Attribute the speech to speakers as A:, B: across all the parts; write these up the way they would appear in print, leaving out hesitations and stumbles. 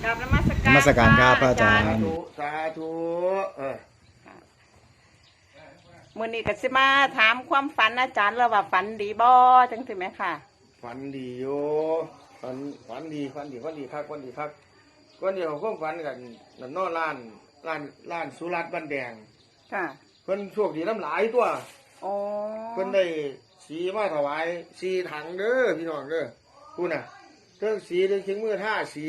A: กราบนมัสการ
B: นมัสการครับพระอาจารย์
C: สาธุ
A: มื้อนี้ก็สิมาถามความฝันอาจารย์แล้วว่าฝันดีบ่จังซี่แม่ค่ะ
C: ฝันดีโยฝันดีครับวันดีครับวันนี้เขาก็ฝันกันนั่นนอร้านสุรัตน์บ้านแดง
A: ค่ะ
C: เพิ่นโชคดีน้ำหลายตัว
A: โอ้
C: เพิ่นได้สีมาถวายสีถังเด้อพี่น้องเด้อพูดน่ะเรื่องสีเรื่องเชียงมือท่าสี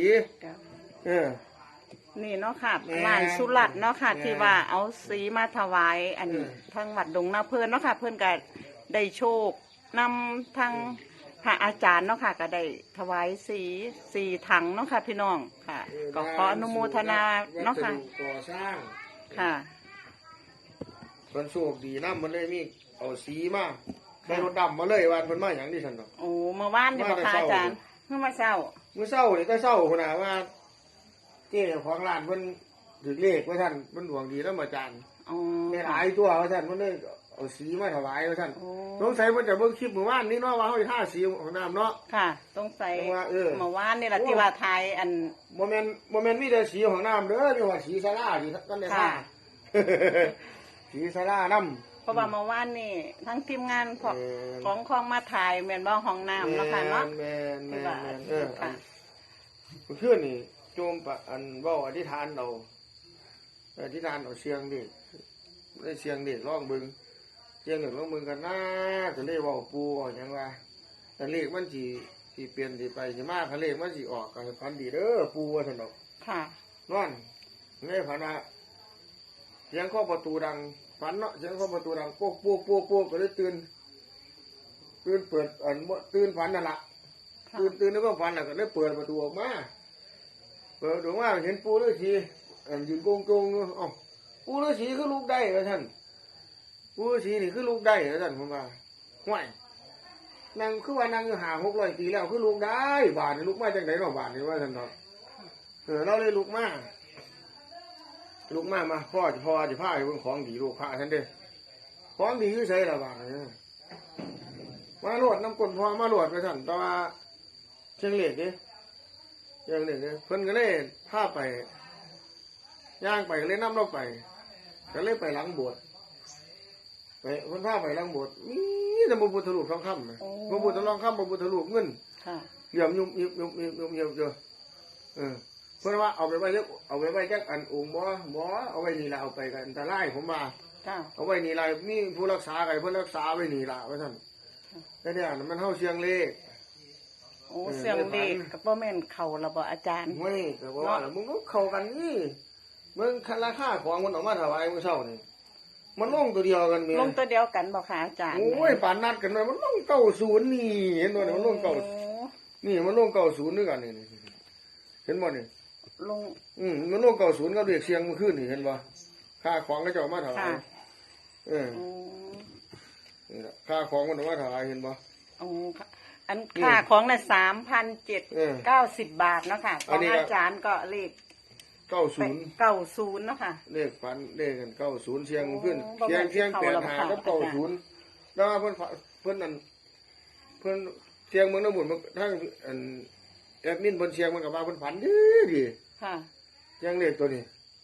A: นี่เนาะค่ะ
C: แม่
A: ลานสุรัตน์เนาะค่ะ
C: แม่
A: ที่ว่าเอาสีมาถวายอันทางวัดดงนาเพิ่นเนาะค่ะ เพิ่นก็ได้โชคนำทางพระอาจารย์เนาะค่ะก็ได้ถวายสีถังเนาะค่ะ พี่น้องค่ะ ก็ขออนุโมทนาเนาะค่ะ
C: วัสดุก่อสร้าง
A: ค่ะ
C: เพิ่นโชคดีน้ำมันเลยมีเอาสีมาได้รถดำมาเลยวันเพิ่นมาอย่างที่ฉันเนาะ
A: โอ้เมื่อวานนี่บ่ค่ะอาจารย์เมื่อมาเช้า
C: เมื่อเช้านี่ก็เช้าคนน่ะว่าเจ้าของร้านเพิ่นถือเลขว่าท่านเพิ่นดวงดีแล้วมาจาน
A: อ๋อ
C: ในหลายตัวว่าท่านเพิ่นเลยเอาสีมาถวายว่าท่าน
A: โอ้
C: สงสัยเพิ่นจะเบิ่งคลิปเมื่อวานนี้เนาะว่าเฮาสิทาสีของน้ำเนาะ
A: ค่ะสงสัย
C: ว่าเมื่
A: เมื่อวานนี่แหละที่ว่าไทยอัน
C: บ่แม่นมีแต่สีของน้ำเด้อมีว่าสีศาลาที่กันได้
A: ค่ะ
C: ท่า สีศาลาน้ำ
A: เพราะว่าเมื่อวานนี่ทั้งทีมงานของของมาถ่ายแม่นบ่ห้องน้ำแล้วค่ะเนาะ
C: แม่น
A: ที่ว่า
C: ค่ะ
A: ค่ะ
C: เมื่อคืนนี่โจมปะอันเว้าอธิษฐานเอาอธิษฐานเอาเสียงดิได้เสียงเด็กร้องเบิ่งเสียงเด็กร้องเบิ่งกันนะก็เลยเว้าปูเอาหยังว่าแต่เลขมันสิเปลี่ยนสิไปสิมาคันเลขมันสิออกก็ให้พันดีเด้อปูว่าซั่นดอก
A: ค่ะ
C: นอนในฝันว่าเสียงเคาะประตูดังฝันเนาะเสียงเคาะประตูดังโป๊กโป๊กโป๊กโป๊กก็เลยตื่นเปิดอันบ่ตื่นฝันนั่นล่ะ
A: ค่ะ
C: ตื่นแล้วก็ฝันแล้วก็เลยเปิดประตูออกมาเปิดประตูมาเห็นปูฤาษียืนโกงๆอยู่เอ้าปูฤาษีคือลูกได้เหรอท่านปูฤาษีนี่คือลูกได้เหรอท่านผมว่าห่วยนางคือว่านางอยู่500-600 ปีแล้วคือลูกได้บาดนี่ลูกมาจากไหนเนาะบาดนี่ว่าท่านเนาะเราเลยลูกมาพ่อจะพาไปเบิ่งของดีลูกพระท่านเด้อของดีอยู่ไสล่ะบาดนี่มาโลดน้ำก้นพ่อมาโลดไปท่านแต่ว่าเชียงเหล็กนี่เชียงเหล็กนี่เพิ่นก็เลยพาไปย่างไปก็เลยนำเราไปก็เลยไปหลังโบสถ์ไปเพิ่นพาไปหลังโบสถ์มีแต่พระพุทธรูปทองคำนะพระพุทธทองคำพระพุทธรูปเงิน
A: ค่ะ
C: เหลี่ยมยุ่มยิบยุ่มยิบยุ่มยิบเยอะเพิ่นว่าเอาไปไว้จักอันองค์บ่เอาไว้นี่ล่ะเอาไปกันอันตรายผมว่า
A: ค่ะ
C: เอาไว้นี่ล่ะมีผู้รักษาไว้เพิ่นรักษาไว้นี่ล่ะว่าซั่นแต่เนี่ยมันเฮาเสียงเลข
A: โอ้เสียงเด็กกับบ่แม่นเข้าแล้วบ่อาจารย์
C: เว้ยก็บอกว่ามึงก็เข้ากันนี่มึงราคาของมันออกมาถวายมื้อเช้านี่มันลงตัวเดียวกันแม่
A: ลงตัวเดียวกันบ่ค่ะอาจารย์
C: โอ้ยปานนัดกันไว้มันลง90นี่เห็นบ่เนี่ยมันลง
A: โอ้
C: 90นี่มันลง90ด้วยกันนี่เห็นบ่นี่
A: ลง
C: มันลง90กับเด็กเสียงเมื่อคืนนี่เห็นบ่ค่าของก็จะเอามาถวาย
A: ค่ะ
C: เออ
A: โอ้
C: นี่ล่ะค่าของมันเอามาถวายเห็นบ่
A: โอ้ค่ะอันค่าของน่ะ
C: เออ
A: 3,790 บาทเนาะค่ะข
C: อั
A: อน ง
C: นี้ก็
A: อาจารย์ก็เลข
C: 90
A: 90เนาะค่ะ
C: เลขฝันเลขกัน90เสียงขึ้น
A: โอ้
C: เสียง
A: บ่แม่น
C: 85กับ
A: เข้าแล้วค่ะ
C: 90แล้วเพิ่นนั่นเพิ่นเสียงเมืองน้ำหมุนมันทั้งอันแอดมินเพิ่นเสียงมันก็ว่าเพิ่นฝันดี
A: ค่ะ
C: เสียงเลขตัวนี้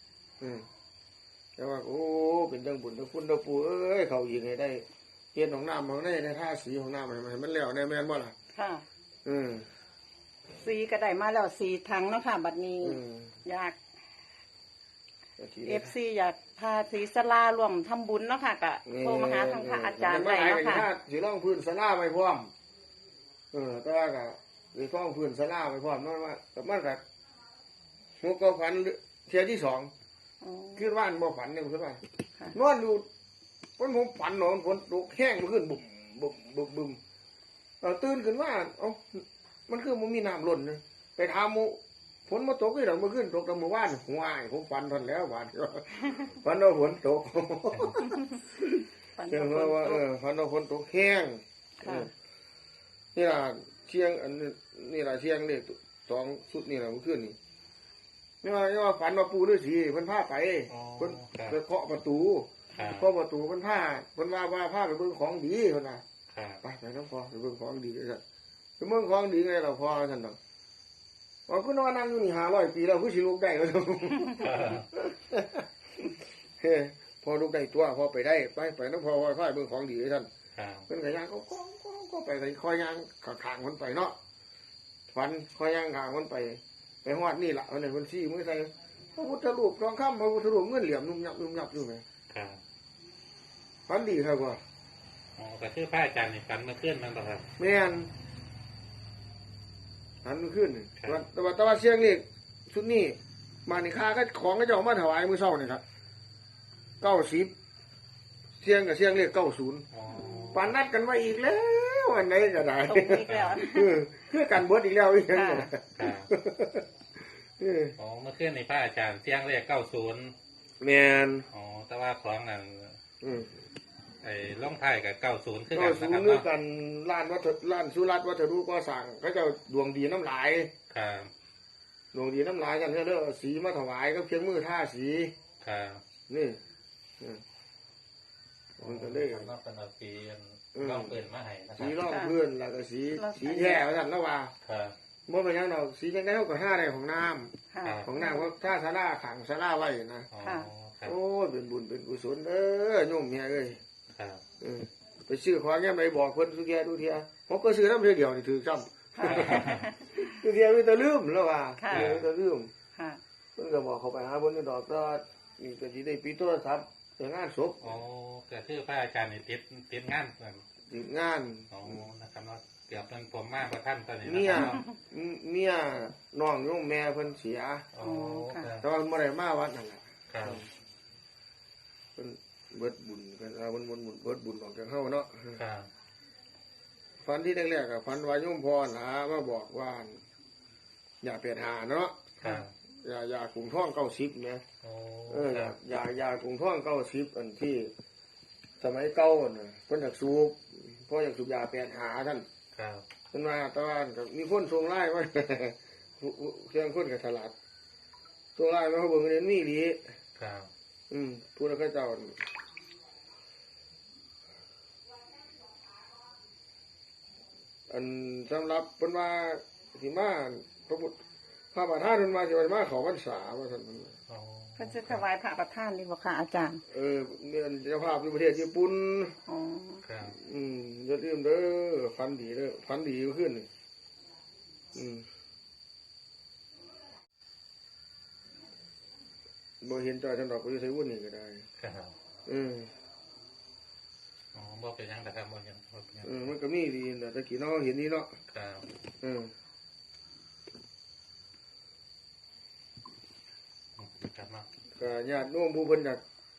C: แต่ว่าโอ้เป็นจังบุญทั้งคุณทั้งปู่เอ้ยเขายิงให้ได้เฮ็ดของน้ำของในท่าสีของน้ำให้มันแล้วแน่แม่นบ่ล่ะ
A: ค่ะ
C: อืม
A: สีก็ได้มาแล้วสีถังเนาะค่ะ บัดนี้
C: อืม
A: อยาก
C: ก็สิ
A: FC อยากพาศรีสลารวมทำบุญเนาะค่ะก็โทรมาหาทางพระอาจารย์ได้เนาะค่ะ
C: สิลองพื้นศาลาไว้พร้อมแต่ว่าก็สิฟ้องพื้นศาลาไว้พร้อมนั่นว่าแต่มันก็หัวก็ฝันเที่ยที่สอง
A: อ๋อ
C: คือว่านบ่ฝันเนี่ยคือว่า
A: ค่ะ
C: นอนอยู่ผมฝันนอนฝนตกแห้งมันขึ้นบุบบุบบุบบุมตื่นขึ้นว่ามันคือมันมีน้ำล้นเลยไปถามหมู่ฝนมาตกที่หลังเมื่อคืนตกแต่เมื่อวานหัวายผมฝันทันแล้วฝันฝันว่าฝนตก
A: ฝัน
C: เชื่อ
A: ว่า
C: ว่า
A: ฝนตก
C: ฝันว่าฝนตกแห้ง
A: ค่ะ
C: นี่ล่ะเชียงอันนี่ล่ะเชียงเลขสองสุดนี่ล่ะเมื่อคืนนี่นี่ว่าฝันว่าปู่ฤาษีเพิ่นพาไปเพิ่นไปเคาะประตู พอประตูมันผ้ามันว่าผ้าไปเบิ่งของดีคนน่ะไปน้องพอไปเบิ่งของดีเลยสันไปเบิ่งของดีไงเราพอสันดอกว่าคุณว่านั่งอยู่นี่500 ปีแล้วคือสิลูกได้ก็เฮ้พอลูกได้ตัวพอไปได้ไปน้ำพอค่อยเบิ่งของดีให้ท่านเพิ่นก็ย่างก็ไปค่อยย่างข้างๆคนไปเนาะฝันค่อยย่างข้างคนไปฮอดนี่ล่ะอันนี้เพิ่นชี้มือใส่พระพุทธรูปทองคำพระพุทธรูปเงินเหลี่ยมนุ่มยับอยู่แม่ฝันดีครับว่า
B: อ๋อก็คือพระอาจารย์นี่ฝันเมื่อคืนนั่นเหรอครับ
C: แม่นฝันเมื่อคืนแต่ว่าเสียงเลขชุดนี้มานี่ค่าก็ของก็จะเอามาถวายมื้อเช้านี่ครับ90เสียงกับเสียงเลข90ปานนัดกันไว้อีกแล้วอันไหนก็ได้
A: ตรงอีกแล้ว
C: คือกันเบิดอีกแล้วอีกอย่างนี้
B: อ๋อเมื่อคืนในพระอาจารย์เสียงเลข90
C: แม่น
B: อ๋อแต่ว่าของนั่นไอ้ล่องไทยกับ90คือ
C: กันนะครับเนาะกันร้านสุรัตน์วัฒนุก็สั่งเขาเจ้าดวงดีน้ำลาย
B: ครับ
C: ดวงดีน้ำลายกันเด้อสีมาถวายก็เพียงมือท่าสี
B: ครับ
C: นี่มันก็เลย
B: ต้องเป็นสีร่องเปืนมาให้นะครับ
C: สีร่องเพื่อนแล้วก็สีแท้ว่าซั่นแล้วว่า
B: ครับ
C: บ่เป็นหยังดอกสีจังได๋เฮาก็หาได้ของน้ำของน้ำว่าถ้าศาลาขังศาลาไว้นะโอ้ยเป็นบุญเป็นกุศลเด้อโยมแม่เอ้ย
B: ครับ
C: ไปซื้อของแง่ไปบอกเพิ่นสุแกดูเทียผมก็ซื้อน้ำเดียวนี่ถือจำดูเทียมีแต่ลืมแล้วว่ามีแต่ลืมเพิ่นก็บอกเขาไปหาเพิ่นดอกก็นี่ก็สิได้ปิดโทรศัพท์ไปงานศพ
B: อ๋อก็คือพระอาจารย์นี่ติดงาน
C: ติดงาน
B: อ๋อนะครับเนาะเกือบเป็นผมมากกว่าท่านตอนนี้
C: เมียน้องโยมแม่เพิ่นเสีย
B: อ๋อ
C: แต่ว่าบ่ได้มาวัดนั่นแหละ
B: ครับ
C: เพิ่นเบิดบุญกันมันเบิดบุญของจังเฮาเนาะ
B: ครับ
C: ฝันที่แรกๆก็ฝันว่าโยมพ่อนะมาบอกว่าอย่าเปลี่ยนหาเนาะ
B: ครับ
C: ยากรุงท่อง90นะยากรุงท่อง90อันที่สมัยเก่าน่ะเพิ่นอยากสูบเพราะอยากสูบยาเปลี่ยนหาท่าน
B: ครับ
C: เพิ่นว่าตะวันก็มีคนส่งไลน์มาเครื่องคนก็ฉลาดส่งไลน์มาเฮาเบิ่งเห็นมีดี
B: ครับ
C: ผู้นั้นก็เจ้าอันสำหรับเพิ่นว่าสิมาพระประธานเพิ่นว่าสิมาเข้าพรรษาว่าซั่น
B: อ๋อ
A: เพิ่นจะถวายพระประธานนี่บ่ค่ะอาจารย์
C: เนี่ยเจ้าภาพอยู่ประเทศญี่ปุ่น
A: อ๋อ
B: ครับ
C: อย่าลืมเด้อฝันดีเด้อฝันดีขึ้นบ่เห็นจอยจังดอกก็อยู่ไสวุ่นนี่ก็ได้
B: ครับอ๋อบ่เป็นหยังแต่ครับบ่เห็น
C: มันก็มีดีนะตะกี้เนาะเห็นนี่เนาะ
B: ครับครับเนาะ
C: ก็ญาติโน้มผู้เพิ่นอยาก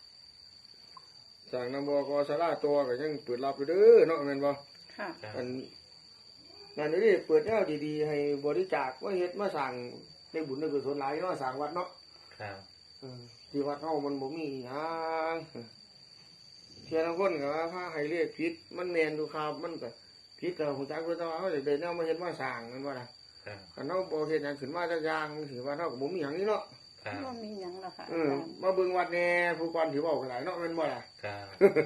C: สั่งนำบกศาลาตัวก็ยังเปิดรับอยู่เด้อเนาะแม่นบ่
A: ค่ะ
C: อันนั่นนี่เปิดแนวดีๆให้บริจาคว่าเฮ็ดมาสั่งได้บุญได้กุศลหลายเนาะสั่งวัดเนาะ
B: ครับ
C: ที่วัดเฮามันบ่มีหยังเที่ยงคนก็ว่าพาให้เลขผิดมันแม่นอยู่ครับมันก็ผิดก็ฮู้จักอยู่แต่ว่าเฮาได้แนวมาเฮ็ดมาสร้างแม่นบ่ล่ะคันเฮาบ่เฮ็ดหยังขึ้นมาจักอย่างสิว่าเฮาก็บ่มีหยังนี่เนาะ
A: บ่มีหยังแล้วค่ะ
C: มาเบิ่งวัดแน่ผู้ก่อนสิเว้าก็หลายเนาะแม่นบ่ล่ะ
B: ครับ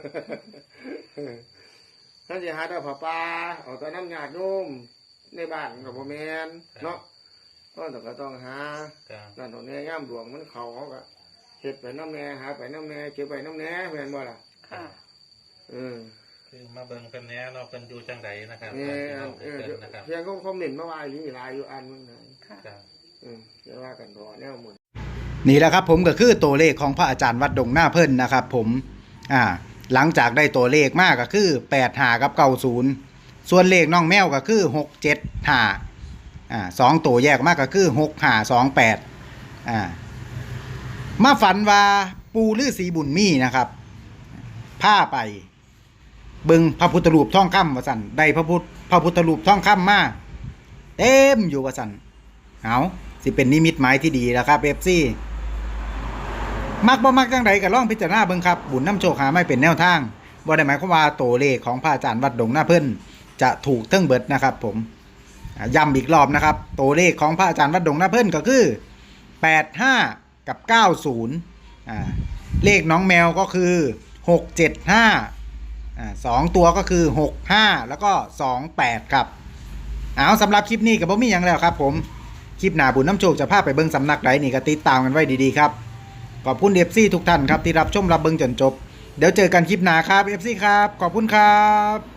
C: ท่านสิหาแต่ผ้าป่าเอาแต่น้ำญาติโยมในบ้านก็บ่แม่นเนาะก็ต้องหานั่นตรงนี้ย่ามหลวงมันเขาก็เฮ็ดไปน้ำแน่หาไปน้ำแน่เก็บไปน้ำแน่แม่นบ่ล่ะ
A: ค่ะ
B: คือมาเบิ่งเพิ่นแน่เนาะเพิ่นอยู่จังไดนะครับ
C: เพียงก็คอมเมนต์มาว่าอยู่หลายอยู่อันนึง
A: ค่ะ
C: จะว่ากันต่อแนวหมด
D: นี่แหละครับผมก็คือตัวเลขของพระอาจารย์วัดดงหน้าเพิ่นนะครับผมหลังจากได้ตัวเลขมากก็คือ85กับ90ส่วนเลขน้องแมวก็คือ675 2ตัวแยกมากก็คือ6528มาฝันว่าปูฤาษีบุญมีนะครับพาไปเบิ่งพระพุทธรูปทองคำว่าซั่นได้พระพุทธรูปทองคำมาเต็มอยู่ว่าซั่นเอาสิเป็นนิมิตหมายที่ดีแล้วครับ FC มักบ่มักจังใดก็ลองพิจารณาเบิ่งครับบุญนำโชคหาไม่เป็นแนวทางบ่ได้หมายความว่าตัวเลขของพระอาจารย์วัดดงหน้าเพิ่นจะถูกเทั้งเบิดนะครับผมย้ำอีกรอบนะครับตัวเลขของพระอาจารย์วัดดงหน้าเพิ่นก็คือ85กับ90เลขน้องแมวก็คือ675 2ตัวก็คือ65แล้วก็28ครับเอาสำหรับคลิปนี้ก็บ่มีหยังแล้วครับผมคลิปหน้าบุญน้ำโชคจะพาไปเบิ่งสำนักใดนี่ก็ติดตามกันไว้ดีๆครับขอบคุณ FC ทุกท่านครับที่รับชมรับเบิ่งจนจบเดี๋ยวเจอกันคลิปหน้าครับ FC ครับขอบคุณครับ